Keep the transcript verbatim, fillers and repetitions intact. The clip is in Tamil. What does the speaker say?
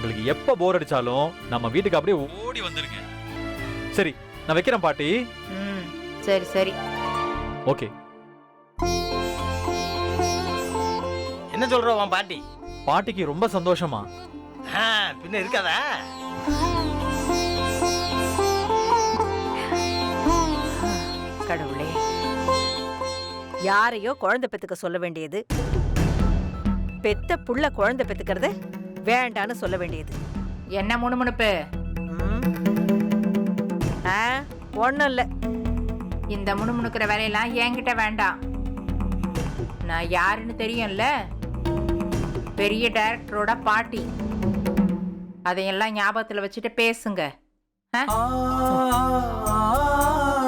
உங்களுக்கு எப்ப போர் அடிச்சாலும் நம்ம வீட்டுக்கு அப்படியே ஓடி வந்துருங்க. சரி, நான் வைக்கிறேன் பாட்டி. ம் சரி சரி. ஓகே. என்ன சொல்ற உன் பாட்டி? பாட்டிக்கு ரொம்ப சந்தோஷமா? ஆ, பின்ன இருக்காதா? கடவுளே, யாரையோ குழந்தை பெத்துக்க சொல்ல வேண்டியது, பெத்த புள்ள குழந்தை பெத்துக்கிறத வேண்டான்னு சொல்ல வேண்டியது. என்ன முணுமுணுப்பு? ஒன்னும் இல்ல. இந்த முணுமுணுக்கிற வேலையெல்லாம் என்கிட்ட வேண்டாம். நான் யாருன்னு தெரியும்ல, பெரிய டைரக்டரோட பாட்டி. அதையெல்லாம் ஞாபகத்துல வச்சுட்டு பேசுங்க. ஆ?